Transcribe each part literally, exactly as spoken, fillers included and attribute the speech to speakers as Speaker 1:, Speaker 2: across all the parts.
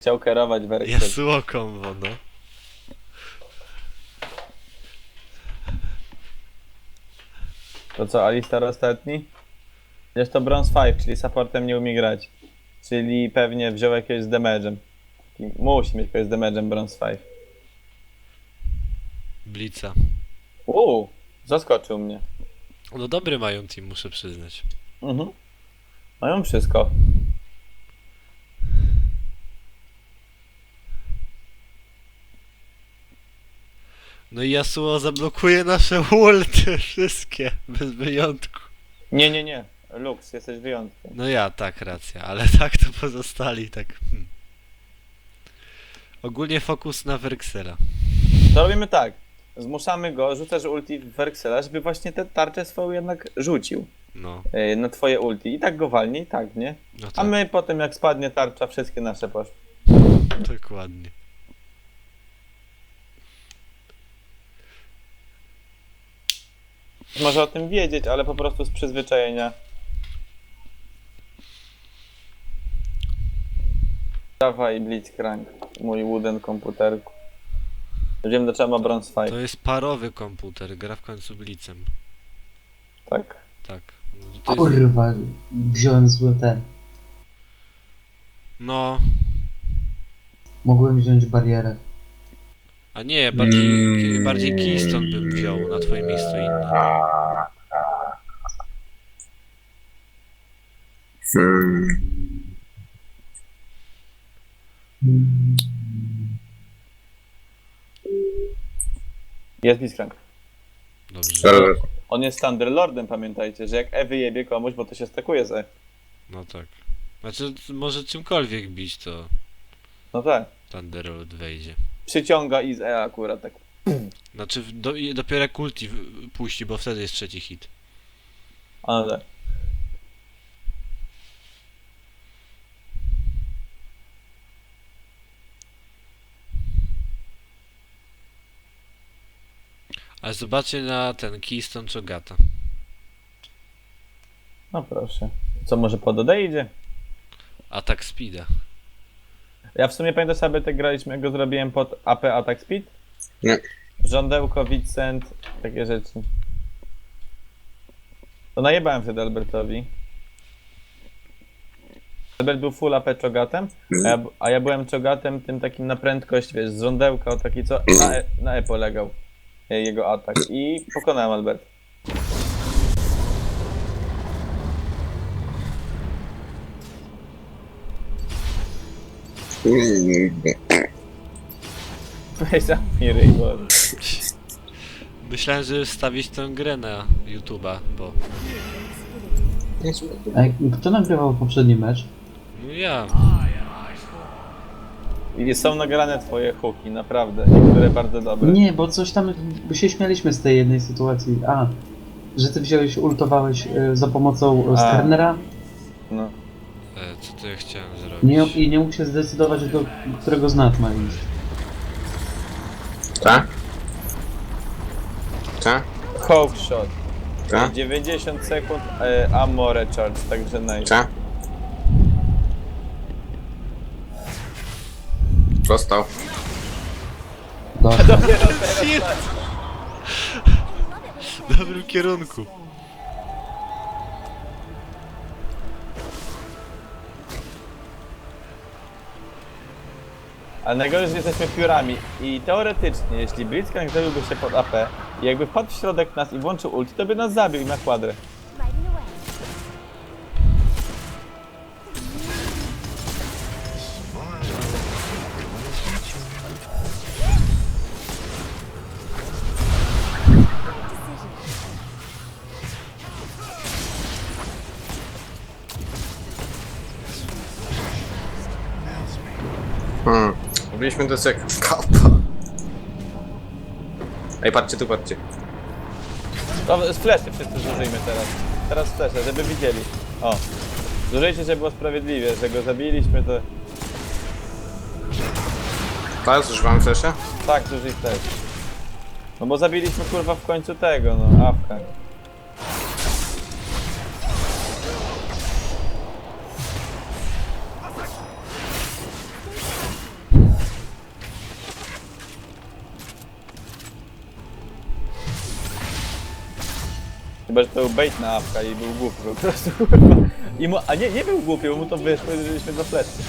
Speaker 1: Chciał kierować werksem.
Speaker 2: Yasuo combo, no.
Speaker 1: To co, Alistar ostatni? Jest to Bronze pięć, czyli supportem nie umie grać. Czyli pewnie wziął jakiegoś z damage'em. Taki- Musi mieć kogoś z damage'em Bronze pięć.
Speaker 2: Blitza.
Speaker 1: Uuu, zaskoczył mnie.
Speaker 2: No dobry mają team, muszę przyznać.
Speaker 1: Mhm. Mają wszystko.
Speaker 2: No i Yasuo zablokuje nasze ulty, wszystkie, bez wyjątku.
Speaker 1: Nie, nie, nie. Lux, jesteś wyjątkiem.
Speaker 2: No ja, tak, racja, ale tak to pozostali, tak. Hmm. Ogólnie fokus na Werksela.
Speaker 1: To robimy tak. Zmuszamy go, rzucasz ulti w Werksela, żeby właśnie tę tarczę swoją jednak rzucił.
Speaker 2: No,
Speaker 1: Yy, na twoje ulti. I tak go walnie, i tak, nie?
Speaker 2: no
Speaker 1: A
Speaker 2: tak,
Speaker 1: my potem jak spadnie tarcza, wszystkie nasze poszły.
Speaker 2: dokładnie.
Speaker 1: Może o tym wiedzieć, ale po prostu z przyzwyczajenia. Dawaj Blitzcrank, mój wooden komputerku. Wiem, do czego ma Bronze
Speaker 2: To
Speaker 1: pięć,
Speaker 2: jest parowy komputer, gra w końcu Blitzem.
Speaker 1: tak?
Speaker 2: Tak. No, to jest...
Speaker 3: Kurwa, wziąłem zły ten.
Speaker 2: no,
Speaker 3: Mogłem wziąć barierę.
Speaker 2: a nie, bardziej, bardziej Keystone bym wziął na twoje miejsce inny.
Speaker 1: Jest Blitzcrank.
Speaker 2: Dobrze.
Speaker 1: On jest Thunderlordem, pamiętajcie, że jak E wyjebie komuś, bo to się stakuje z E.
Speaker 2: No tak. Znaczy, może czymkolwiek bić, to
Speaker 1: No tak.
Speaker 2: Thunderlord wejdzie.
Speaker 1: Przyciąga i z E akurat tak.
Speaker 2: Znaczy, w- do, i dopiero jak ulti w- puści, bo wtedy jest trzeci hit.
Speaker 1: A no tak.
Speaker 2: Ale zobaczcie na ten Keystone Chogata.
Speaker 1: No proszę. Co, może pod O D idzie?
Speaker 2: Atak speeda.
Speaker 1: Ja w sumie pamiętam sobie, tak graliśmy, jak go zrobiłem pod A P Attack Speed?
Speaker 4: Nie.
Speaker 1: Żądełko, Vincent, takie rzeczy. To najebałem wtedy Albertowi. Albert był full A P czogatem, a ja, a ja byłem czogatem tym takim na prędkość, wiesz, z żądełka, o taki co na E, na e polegał e, jego atak i pokonałem Albert. Weź zamknij ryj, bo...
Speaker 2: Myślałem, że stawić tę grę na YouTube'a, bo...
Speaker 3: A jak- kto nagrywał poprzedni mecz?
Speaker 2: No ja.
Speaker 1: I są nagrane twoje hooki, naprawdę, niektóre bardzo dobre.
Speaker 3: Nie, bo coś tam, bo się śmialiśmy z tej jednej sytuacji. A, że ty wziąłeś, ultowałeś y, za pomocą
Speaker 1: A.
Speaker 3: Sternera
Speaker 1: No.
Speaker 2: E, co to ja chciałem zrobić?
Speaker 3: nie, i nie mógł się zdecydować, do którego znak ma iść.
Speaker 4: Tak? Tak?
Speaker 1: Hook shot.
Speaker 4: Tak?
Speaker 1: dziewięćdziesiąt sekund e, ammo recharge, także nice.
Speaker 4: Tak? Dostał.
Speaker 3: Dobra.
Speaker 1: Dopiero teraz
Speaker 2: Shit!
Speaker 1: tak.
Speaker 2: W dobrym kierunku.
Speaker 1: Ale najgorzej, że jesteśmy piórami i teoretycznie, jeśli Blitzcrank zrobiłby się pod A P i jakby wpadł w środek nas i włączył ulti, to by nas zabił na kwadrę.
Speaker 5: Riding away.
Speaker 4: Hmm. Robiliśmy to jak skapa. Ej, patrzcie tu, patrzcie.
Speaker 1: To z fleszy wszyscy zużyjmy teraz. Teraz flesze, żeby widzieli. O. Zużyjcie, żeby było sprawiedliwie, że go zabiliśmy, to...
Speaker 4: Teraz używamy flesze?
Speaker 1: Tak, zużyj też. No bo zabiliśmy kurwa w końcu tego, no, Awka. Chyba, że to był bait na apka i był głupi po prostu, kurwa. I mu, a nie, nie był głupi, bo mu to wyszło i żeśmy go fleszli.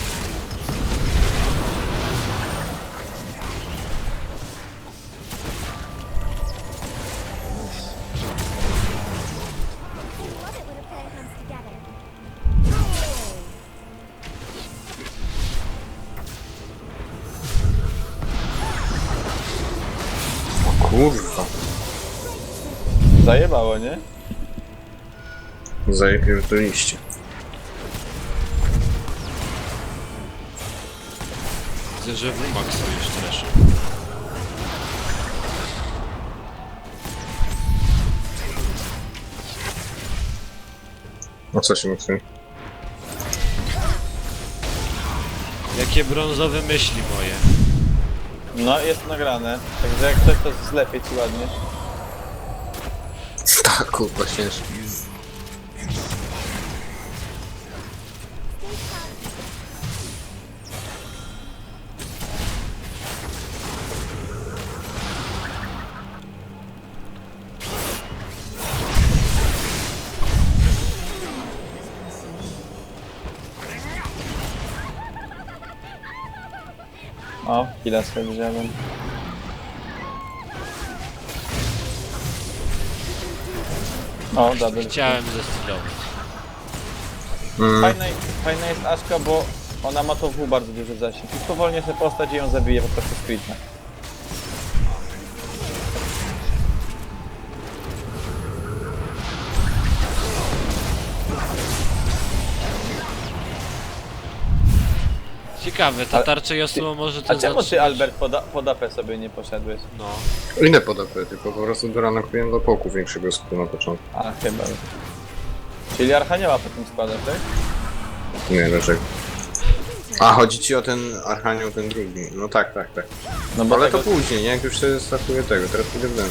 Speaker 5: Love it when a plan comes together.
Speaker 4: O kurwa.
Speaker 1: Zajebało, nie?
Speaker 4: Zajepierdoliście.
Speaker 2: Widzę, że w Max stoisz też.
Speaker 4: O co się myśli?
Speaker 2: Jakie brązowe myśli moje.
Speaker 1: No, jest nagrane. Także jak ktoś to zlepiej ci ładnie.
Speaker 4: Tak, kurwa, ciężko.
Speaker 1: O, chwilę sobie wziąłem. O, double.
Speaker 2: Chciałem zestylować.
Speaker 4: Mm.
Speaker 1: Fajna, fajna jest Aszka, bo ona ma to w bardzo duży zasięg. I powolnie sobie postać i ją zabije po prostu squidna.
Speaker 2: Ciekawe, ta
Speaker 1: Ale-
Speaker 2: tarcza Yasuo może to
Speaker 1: A czemu ty,
Speaker 2: zatrzymać.
Speaker 1: Albert, pod, pod A P sobie nie poszedłeś?
Speaker 2: No.
Speaker 4: Inne pod A P, tylko po prostu doranuję do poku większego skupu na początku.
Speaker 1: A, chyba. Czyli Archanioła potem składa, tak?
Speaker 4: Nie wiem dlaczego. A, chodzi ci o ten Archanioł, ten drugi. No tak, tak, tak.
Speaker 1: No bo
Speaker 4: Ale to
Speaker 1: tego,
Speaker 4: później, nie? Jak już sobie startuję tego, teraz pójdę w demo.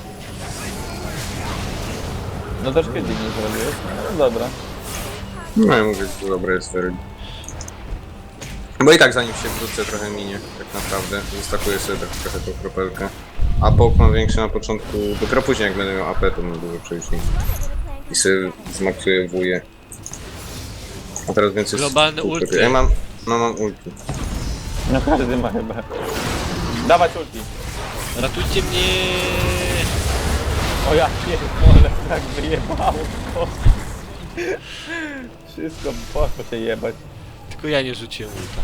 Speaker 1: no troszkę dziwnie zrobiłeś. No dobra.
Speaker 4: No ja mówię, że to dobre jest wtedy. Bo i tak zanim się wrócę trochę minie, tak naprawdę. Zostakuję sobie tak trochę tą kropelkę. A pok mam większy na początku, dopiero później jak będę miał A P, to mam dużo przejścia. I sobie zmaksuję wuję. A teraz więcej...
Speaker 2: Globalny
Speaker 4: z-
Speaker 2: ulti.
Speaker 4: Ja mam... No mam ulti.
Speaker 1: No każdy ma chyba. Dawać ulti.
Speaker 2: Ratujcie mnie!
Speaker 1: O ja pierdolę, tak wyjebało to. Wszystko poszło się jebać.
Speaker 2: Tylko ja nie rzuciłem ulta.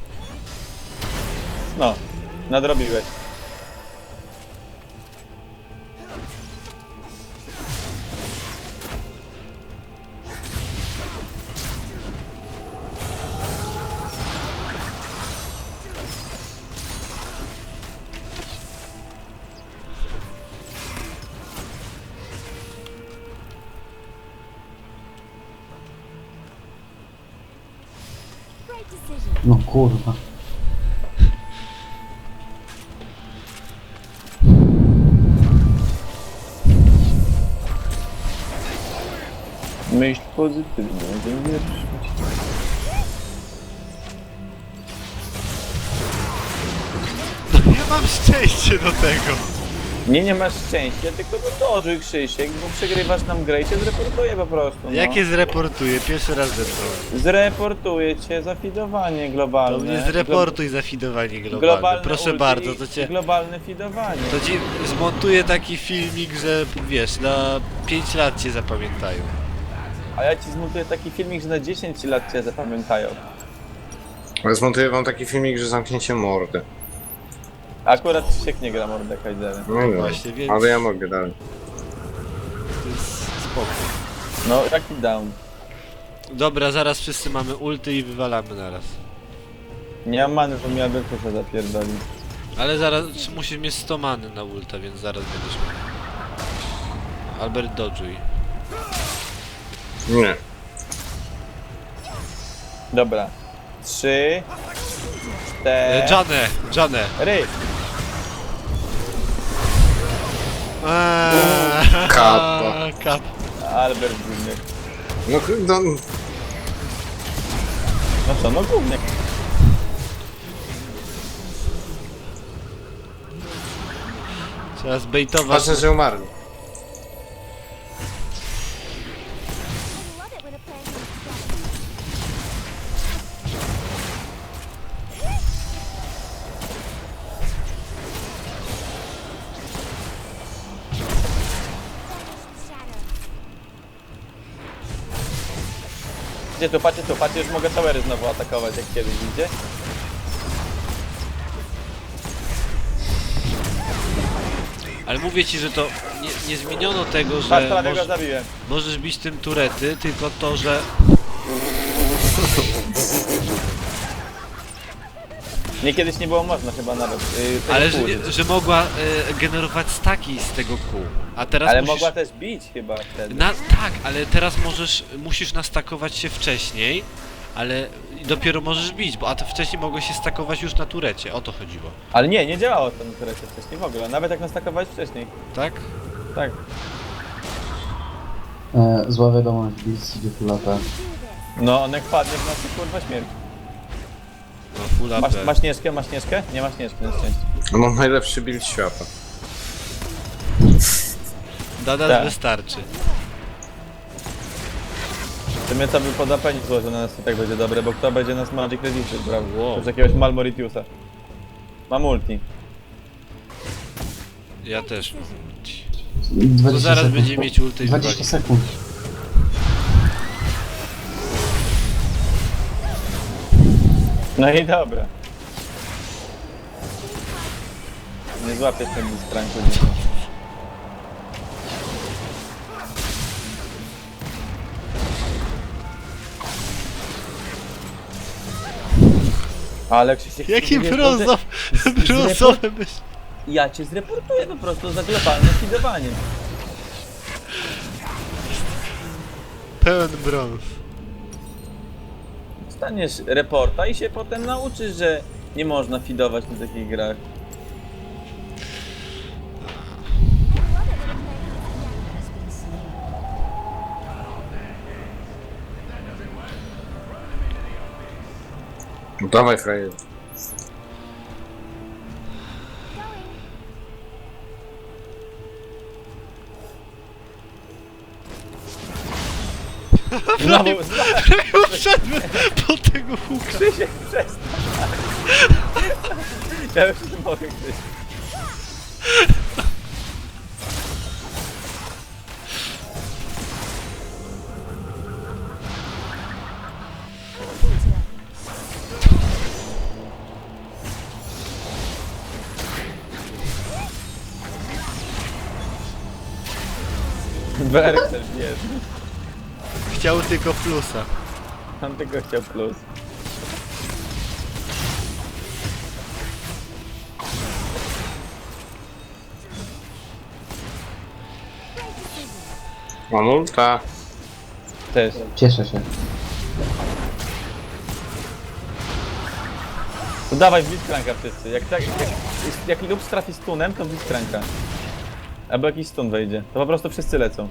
Speaker 1: No, nadrobiłeś.
Speaker 5: Great decision.
Speaker 3: No kurwa.
Speaker 1: Myśl pozytywnie, nie wierzysz.
Speaker 2: Ja mam szczęście do tego!
Speaker 1: Nie, nie masz szczęścia, tylko no dożyj Krzysiek, bo przegrywasz nam grę i cię zreportuję po prostu. No.
Speaker 2: Jakie zreportuję? Pierwszy raz zebrałem.
Speaker 1: Zreportuję cię za fidowanie globalne.
Speaker 2: To mnie zreportuj za fidowanie
Speaker 1: Glo-
Speaker 2: globalne. Proszę
Speaker 1: ulti
Speaker 2: bardzo,
Speaker 1: i
Speaker 2: to cię...
Speaker 1: globalne fidowanie.
Speaker 2: To ci zmontuję taki filmik, że wiesz, na pięć lat cię zapamiętają.
Speaker 1: A ja ci zmontuję taki filmik, że na dziesięć lat cię zapamiętają.
Speaker 4: Ale zmontuję wam taki filmik, że zamknięcie mordę.
Speaker 1: Akurat Krzysiek nie gra Mordekaiserem.
Speaker 4: No no,
Speaker 2: Właśnie, więc-
Speaker 4: ale ja mogę dalej.
Speaker 2: To jest spoko.
Speaker 1: No, taki down.
Speaker 2: Dobra, zaraz wszyscy mamy ulty i wywalamy naraz.
Speaker 1: Nie mam many, to mi Albertusa zapierdoli.
Speaker 2: Ale zaraz musisz mieć sto many na ulta, więc zaraz będziesz miał. Albert dodżuj.
Speaker 4: Nie.
Speaker 1: Dobra. Trzy...
Speaker 2: E,
Speaker 1: Cztery...
Speaker 2: Janę! Janę! Eee,
Speaker 4: Kappa.
Speaker 2: Kap.
Speaker 1: Albert Gówniak.
Speaker 4: No, no
Speaker 1: No co, no Gówniak.
Speaker 2: Trzeba zbejtować.
Speaker 4: ważne, że umarli.
Speaker 1: Patrzcie tu, patrzcie tu, patrzcie, już mogę towery znowu atakować jak kiedyś, widzicie?
Speaker 2: Ale mówię ci, że to nie, nie zmieniono tego,
Speaker 1: Patrz,
Speaker 2: że
Speaker 1: prawie go
Speaker 2: moż,
Speaker 1: zabiłem.
Speaker 2: możesz bić tym turety, tylko to, że...
Speaker 1: Nie, kiedyś nie było można chyba nawet. Yy, tego
Speaker 2: Ale że,
Speaker 1: kół
Speaker 2: nie,
Speaker 1: użyć.
Speaker 2: że mogła y, generować staki z tego kół. A teraz
Speaker 1: Ale
Speaker 2: musisz...
Speaker 1: mogła też bić chyba wtedy.
Speaker 2: Na, tak, ale teraz możesz, musisz nastakować się wcześniej, ale dopiero możesz bić, bo a to wcześniej mogłeś się stakować już na turecie, o to chodziło,
Speaker 1: Ale nie, nie działało to na turecie wcześniej w ogóle, nawet jak nastakowałeś wcześniej.
Speaker 2: tak?
Speaker 1: Tak.
Speaker 3: E, zła wiadomość, Blitz idzie tu lata.
Speaker 1: No, on jak padnie w nas to kurwa śmierć.
Speaker 2: No full A
Speaker 1: Masz,
Speaker 2: P.
Speaker 1: masz Śnieżkę? Masz Śnieżkę? Nie masz Śnieżki na szczęście.
Speaker 4: No mam najlepszy build świata.
Speaker 2: Dada
Speaker 1: Tak.
Speaker 2: wystarczy.
Speaker 1: W sumie to by pod apenik złożył na nas i tak będzie dobre, bo kto będzie nas Magic Resisted brał?
Speaker 2: Wow.
Speaker 1: Już jakiegoś Malmoritiusa. Ma multi.
Speaker 2: Ja też mam ulti.
Speaker 3: dwadzieścia
Speaker 2: To zaraz
Speaker 3: sekund.
Speaker 2: będzie mieć ulty i
Speaker 3: dwadzieścia
Speaker 2: wywali.
Speaker 3: sekund.
Speaker 1: No i dobra. Nie złapiesz ten dispranku dzisiaj. Ale Krzysiek...
Speaker 2: Jaki
Speaker 1: nie-
Speaker 2: brązowy,
Speaker 1: z-
Speaker 2: brązowy myśl.
Speaker 1: Ja cię zreportuję po prostu za globalne fidowanie.
Speaker 2: Pełen brąz.
Speaker 1: Staniesz reporta i się potem nauczysz, że nie można fidować na takich grach.
Speaker 4: No dawaj frajer.
Speaker 1: Znowu, znowu
Speaker 2: Wszedłem po tego huka.
Speaker 1: Krzysiek, przestań. Ja już nie mogę, Krzysiek. Berksel jest.
Speaker 2: Chciał tylko plusa.
Speaker 1: On tylko chciał plus.
Speaker 4: Mam ulta.
Speaker 1: Też.
Speaker 3: Cieszę się.
Speaker 1: To dawaj Blitzcranka wszyscy. Jak, tak, jak, jak Lux trafi stunem, to Blitzcranka. Albo jakiś stun wejdzie. To po prostu wszyscy lecą.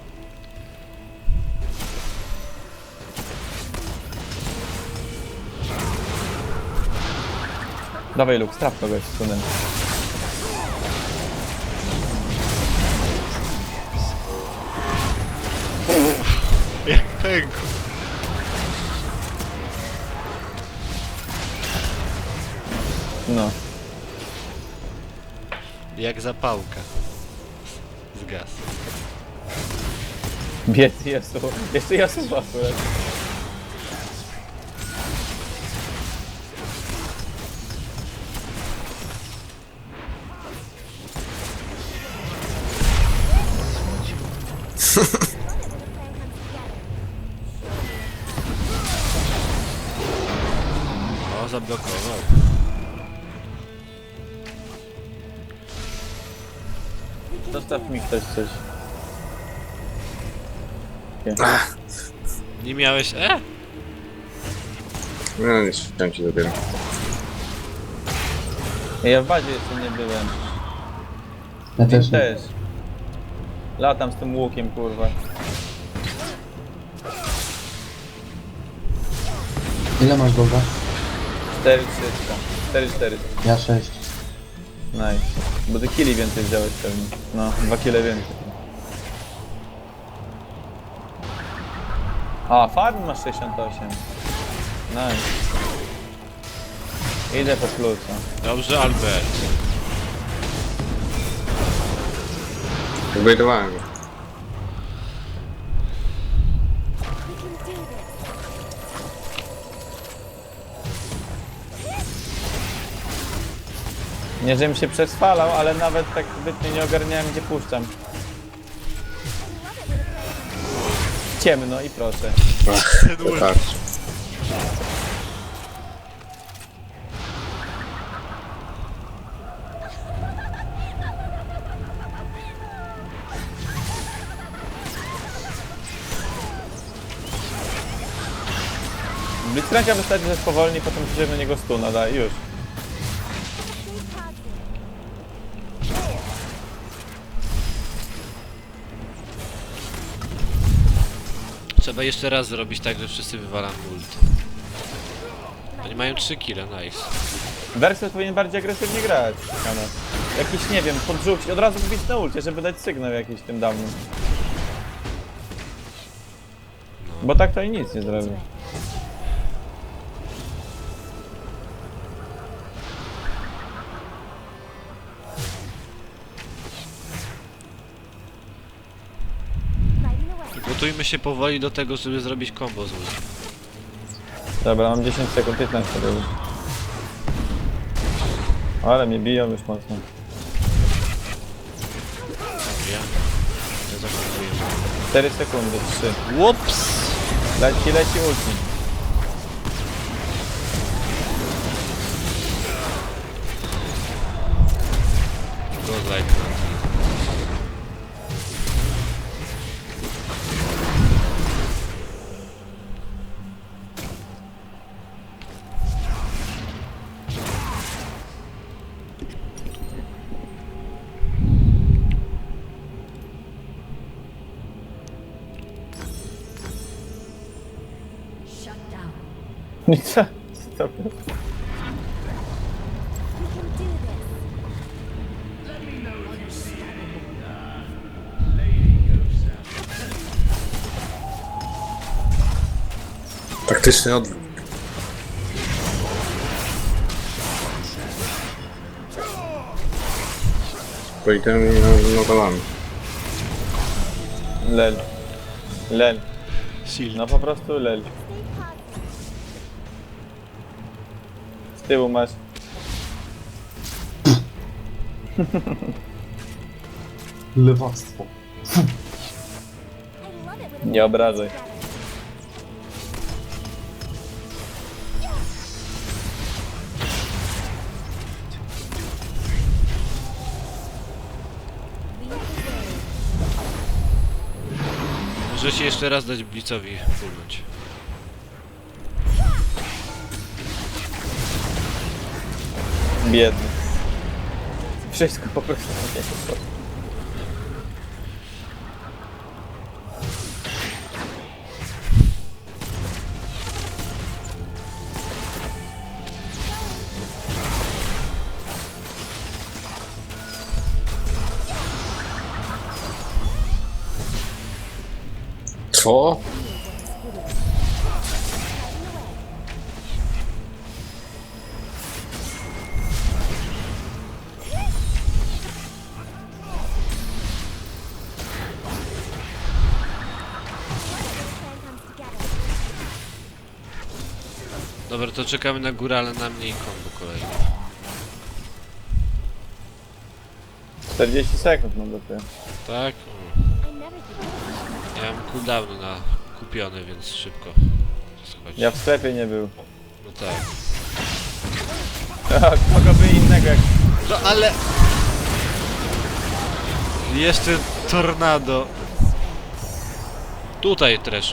Speaker 1: Dawaj Lux, traf kogoś stunem.
Speaker 2: Jak pękł.
Speaker 1: No.
Speaker 2: Jak zapałka. Zgasł.
Speaker 1: Biec Jesu. Jeszcze Jesu akurat.
Speaker 2: O, zablokował.
Speaker 1: Zostaw mi ktoś coś.
Speaker 2: Nie miałeś E?
Speaker 4: No nie chciałem ci dopiero.
Speaker 1: Ja w bazie jeszcze nie byłem.
Speaker 3: Ja też nie.
Speaker 1: Też. Latam z tym łukiem, kurwa.
Speaker 3: Ile masz golda?
Speaker 1: cztery trzysta. cztery czterysta.
Speaker 3: Ja sześć.
Speaker 1: Nice. Bo ty killi więcej wziąłeś pewnie. No, dwa kile więcej. A, farm masz sześćdziesiąt osiem. Nice. Idę po plusa.
Speaker 2: Dobrze, Albert.
Speaker 4: Zbaitowałem go.
Speaker 5: We can do this.
Speaker 1: Nie, żebym się przeswalał, ale nawet tak zbytnio nie ogarniałem, gdzie puszczam. Ciemno i proszę.
Speaker 4: Ach, to tak.
Speaker 1: Blitzcranka wystarczy, że spowolni, potem przyjdzie na niego stuna, da, już.
Speaker 2: Trzeba jeszcze raz zrobić tak, że wszyscy wywalamy ult. Oni mają trzy kile, nice.
Speaker 1: Versus powinien bardziej agresywnie grać. Kana. Jakiś, nie wiem, podrzucić, od razu wbić na ulcie, żeby dać sygnał jakiś tym dawnym. Bo tak to i nic nie zrobi.
Speaker 5: Lighting the way.
Speaker 2: Gotujmy się powoli do tego, żeby zrobić combo z ult.
Speaker 1: Dobra, mam dziesięć sekund, piętnaście było. Ale mnie biją już mocno.
Speaker 2: Ja, ja zakonuję.
Speaker 1: cztery sekundy, trzy.
Speaker 2: Łops!
Speaker 1: Leci, leci ulti.
Speaker 2: Godlike na tym.
Speaker 1: I co? Co?
Speaker 5: We can do this.
Speaker 4: Taktyczny odwrót. Po itemie nie nowelami.
Speaker 1: Lel. Lel.
Speaker 2: Shield.
Speaker 1: No po prostu lel.
Speaker 5: Stay positive.
Speaker 1: Z tyłu masz.
Speaker 3: Lewactwo.
Speaker 5: I love it when
Speaker 1: Nie obrażaj.
Speaker 5: together. Lead the way.
Speaker 2: Może się jeszcze raz dać Blitzowi pulnąć.
Speaker 1: Biedny. Wszystko po prostu nie jest.
Speaker 4: Co?
Speaker 5: Plan comes together.
Speaker 2: Dobra, to czekamy na górę, ale na mnie i combo kolejny.
Speaker 1: czterdzieści sekund mam dopiero.
Speaker 2: Tak?
Speaker 5: I never give up.
Speaker 2: Ja mam cooldowny na kupiony, więc szybko. Schodź.
Speaker 1: Ja w sklepie nie był.
Speaker 2: No tak.
Speaker 1: A, kogo by innego jak...
Speaker 2: No ale... Jeszcze tornado. Tutaj Treszu.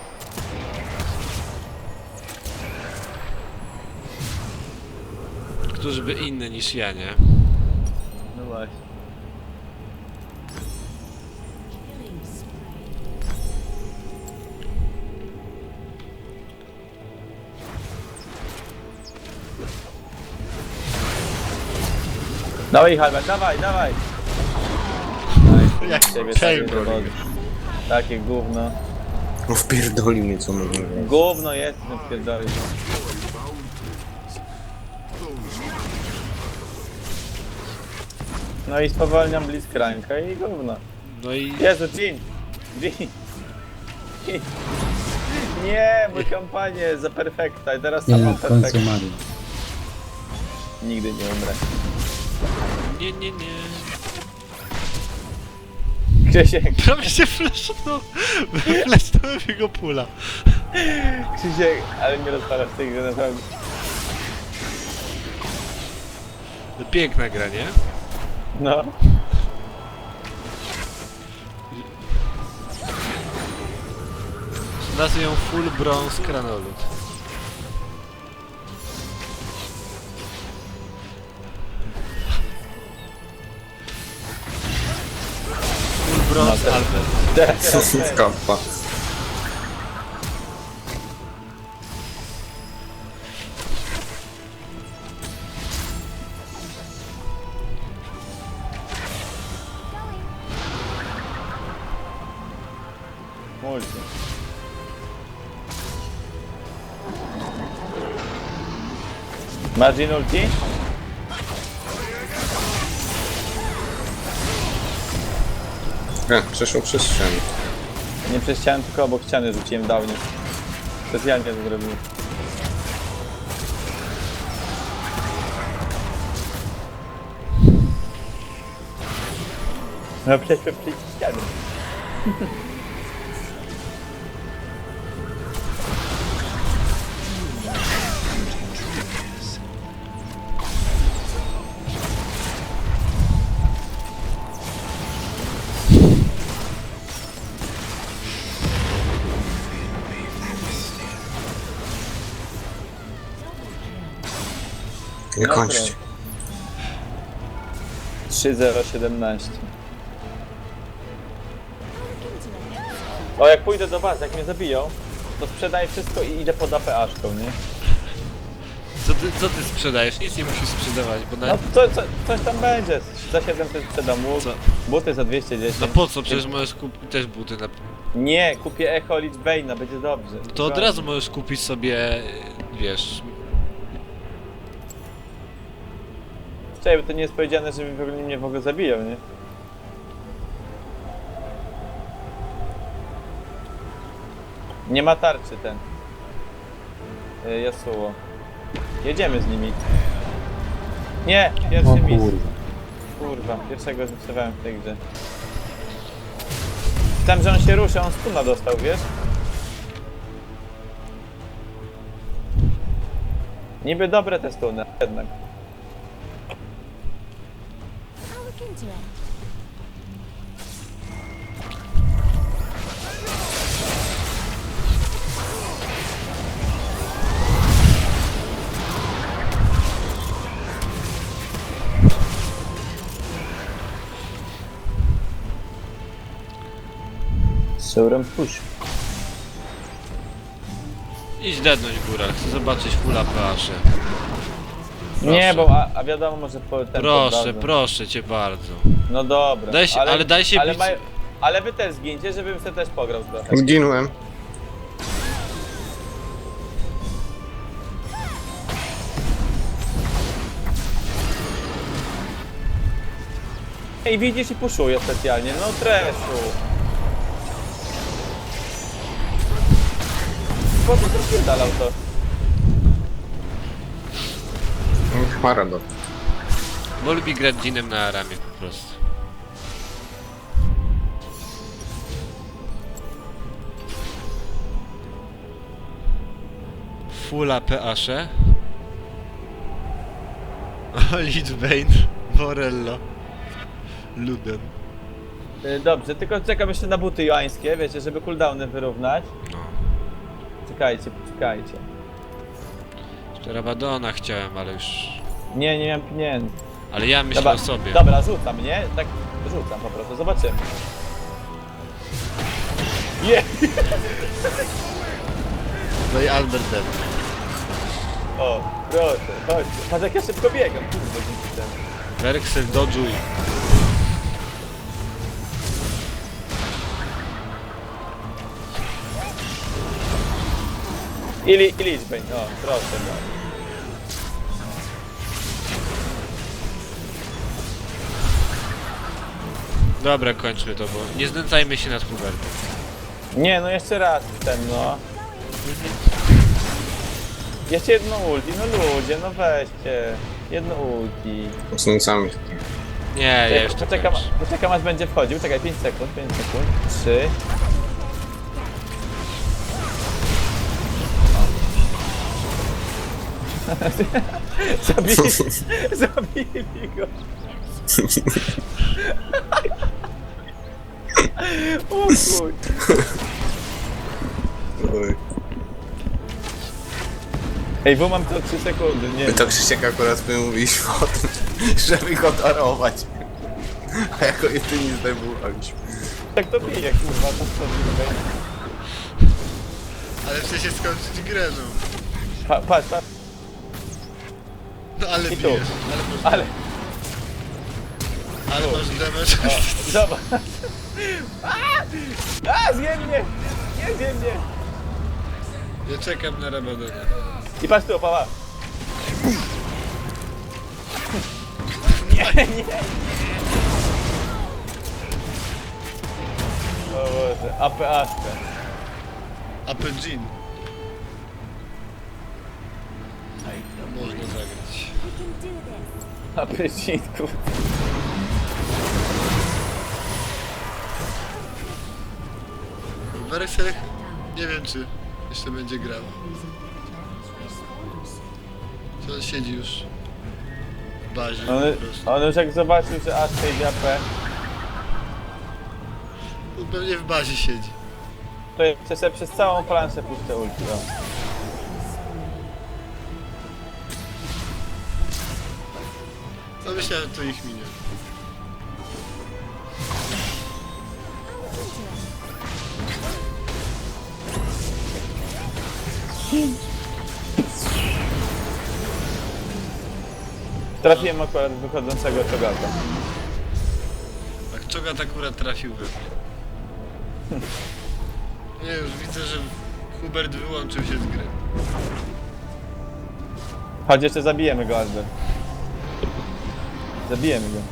Speaker 2: Któż by inny niż ja, nie?
Speaker 1: No właśnie. Dawaj Halbert, dawaj, dawaj!
Speaker 2: Jak
Speaker 1: Ciebie
Speaker 2: Kane
Speaker 1: takie
Speaker 2: robi.
Speaker 1: dowody. Takie gówno.
Speaker 4: No wpierdoli mnie co można zrobić.
Speaker 1: Gówno jest, no pierdolisz. No i spowalniam Blitzcranka i gówno.
Speaker 2: No i...
Speaker 1: Jezu, Jin! Jin! Jin. Nie, mój kampanię za perfekta i teraz
Speaker 3: Nie,
Speaker 1: sama
Speaker 3: w końcu
Speaker 1: perfekta.
Speaker 3: umarł.
Speaker 1: Nigdy nie umrę.
Speaker 2: Nie, nie, nie.
Speaker 1: Krzysiek,
Speaker 2: Prawie się flashnął. Flashnąłem jego pula.
Speaker 1: Krzysiek, ale nie rozpalasz tej gry naprawdę.
Speaker 2: No, piękna gra, nie?
Speaker 1: No.
Speaker 2: Nazwę ją Full Bronze Kranolot. Full Bronze
Speaker 1: No,
Speaker 2: Albert.
Speaker 1: Teraz
Speaker 4: Kappa.
Speaker 1: multi. Margin ulti?
Speaker 4: E, przeszło przez ścianę.
Speaker 1: Nie przez ścianę, tylko obok ściany rzuciłem downie. Specjalnie to zrobiłem. No przecież przez ścianę.
Speaker 4: Nie
Speaker 1: No
Speaker 4: kończcie.
Speaker 1: trzy zero siedemnaście. O, jak pójdę do was, jak mnie zabiją, to sprzedaję wszystko i idę pod A P A-szką, nie?
Speaker 2: Co ty, co ty sprzedajesz? Nic nie musisz sprzedawać, bo na...
Speaker 1: No co, co, coś tam będzie. Za siedemset sprzedam łuk,
Speaker 2: Co?
Speaker 1: buty za dwieście dziesięć.
Speaker 2: No po co? Przecież możesz kupić też buty na...
Speaker 1: Nie, kupię Echo Lich Bane'a, będzie dobrze.
Speaker 2: To od razu możesz kupić sobie, wiesz...
Speaker 1: Czekaj, bo to nie jest powiedziane, że w ogóle mnie w ogóle zabiją, nie? Nie ma tarczy ten. Y, Yasuo. Jedziemy z nimi. Nie! Pierwszy
Speaker 3: O
Speaker 1: mis.
Speaker 3: kurwa.
Speaker 1: Kurwa, pierwszego zniszczowałem w tej grze. Tam, że on się ruszy, on stuna dostał, wiesz? Niby dobre te stuny, jednak.
Speaker 5: I'll look into it.
Speaker 1: Sauron push.
Speaker 2: Idź dednąć góra, chcę zobaczyć fulla P-asze.
Speaker 1: Nie, bo a, a wiadomo, może po ten
Speaker 2: Proszę,
Speaker 1: poddadzą.
Speaker 2: proszę cię bardzo.
Speaker 1: No dobra.
Speaker 2: Daj się- ale daj się
Speaker 1: ale,
Speaker 2: bić-
Speaker 1: maj- ale wy też zgincie, żebym sobie też pograł trochę.
Speaker 4: Zginąłem.
Speaker 1: Ej, widzisz i puszuję specjalnie, no treszu. Po co to dalał to?
Speaker 4: Maradon.
Speaker 2: Bo lubi grać Dinem na Aramie po prostu. Fulla P-asze. Lich Bane, Morello, Luden.
Speaker 1: Y, Dobrze, tylko czekam jeszcze na buty joańskie, wiecie, żeby cooldowny wyrównać.
Speaker 2: No.
Speaker 1: Czekajcie, poczekajcie.
Speaker 2: Jeszcze Rabadona chciałem, ale już...
Speaker 1: Nie, nie mam pieniędzy.
Speaker 2: Ale ja myślę
Speaker 1: Dobra,
Speaker 2: o sobie.
Speaker 1: dobra, rzucam, nie? Tak, rzucam po prostu, zobaczymy. Je!
Speaker 2: No i Albert Den.
Speaker 1: O, proszę, chodź. Patrz jak ja szybko biegam, kurde, dzięki temu.
Speaker 2: Werksel dodżuj.
Speaker 1: I, li, i liczbę, o, proszę, no.
Speaker 2: Dobra, kończmy to, bo nie znęcajmy się nad Hubertem.
Speaker 1: Nie, no jeszcze raz ten, no. Jeszcze jedno ulti, no ludzie, no weźcie. Jedno ulti.
Speaker 4: Mocnicami.
Speaker 2: Nie, ja
Speaker 1: Czekaj,
Speaker 2: jeszcze
Speaker 1: poczekam,
Speaker 2: kończę.
Speaker 1: poczekam aż będzie wchodził. Czekaj, pięć sekund, pięć sekund. trzy. Zabili, zabili go. O chuj.
Speaker 4: Oj.
Speaker 1: Ej, bo mam to trzy sekundy, nie
Speaker 4: My to Krzysiek akurat my mówiliśmy o tym, żeby go darować. A jako jedyni zdejmowaliśmy.
Speaker 1: tak to bije, kurwa, to co okay.
Speaker 2: Ale chce się skończyć grę, no.
Speaker 1: pa, Patrz, patrz,
Speaker 2: No ale
Speaker 1: I tu.
Speaker 2: bijesz, ale masz,
Speaker 1: ale...
Speaker 2: ale masz damage.
Speaker 1: O, zobacz. A, a zje mnie! Nie zje mnie!
Speaker 2: Ja czekam na Rabadona.
Speaker 1: I patrz tu, pała. Nie, nie. O Boże, A P A.
Speaker 2: Apple Jean. Można zagrać.
Speaker 5: We can do this.
Speaker 1: A P G,
Speaker 2: Weresel nie wiem czy jeszcze będzie grał. Czy on siedzi już w bazie
Speaker 1: on,
Speaker 2: po prostu.
Speaker 1: on już jak zobaczył, że aż idzie A P,
Speaker 2: On pewnie w bazie siedzi.
Speaker 1: to jeszcze sobie przez całą planszę puszczę ulti. O.
Speaker 2: No myślałem, to ich minie.
Speaker 1: Trafiłem akurat wychodzącego czogata.
Speaker 2: Tak, Czogat akurat trafił we mnie. Nie, już widzę, że Hubert wyłączył się z gry.
Speaker 1: Chodź, jeszcze zabijemy go, Albert. Zabijemy go.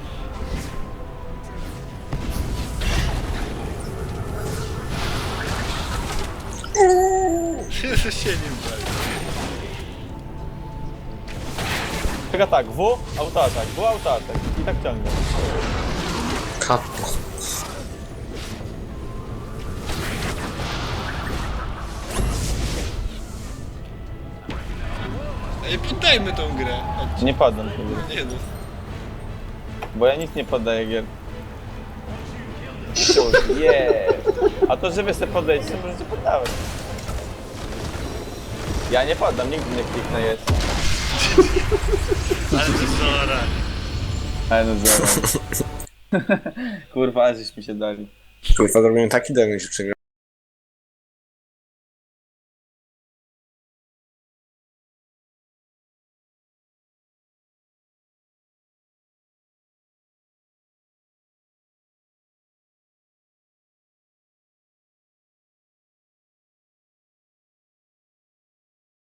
Speaker 2: się nie bali.
Speaker 1: Czeka tak, W, autoatak, W, autoatak. I tak ciągle.
Speaker 4: Kapo.
Speaker 2: Ej, poddajmy tą grę. Chodźcie.
Speaker 1: Nie poddam się gry,
Speaker 2: Nie no.
Speaker 1: bo ja nic nie poddaję gier. Yeah. A to, że wy sobie poddajecie, to możecie poddawać. Ja nie poddam, nigdy nie kliknę jest.
Speaker 2: Ale to zora.
Speaker 1: Ale no zero. Kurwa, aż żeśmy się dali.
Speaker 4: Kurwa, zrobiłem taki damage, że przegrałem.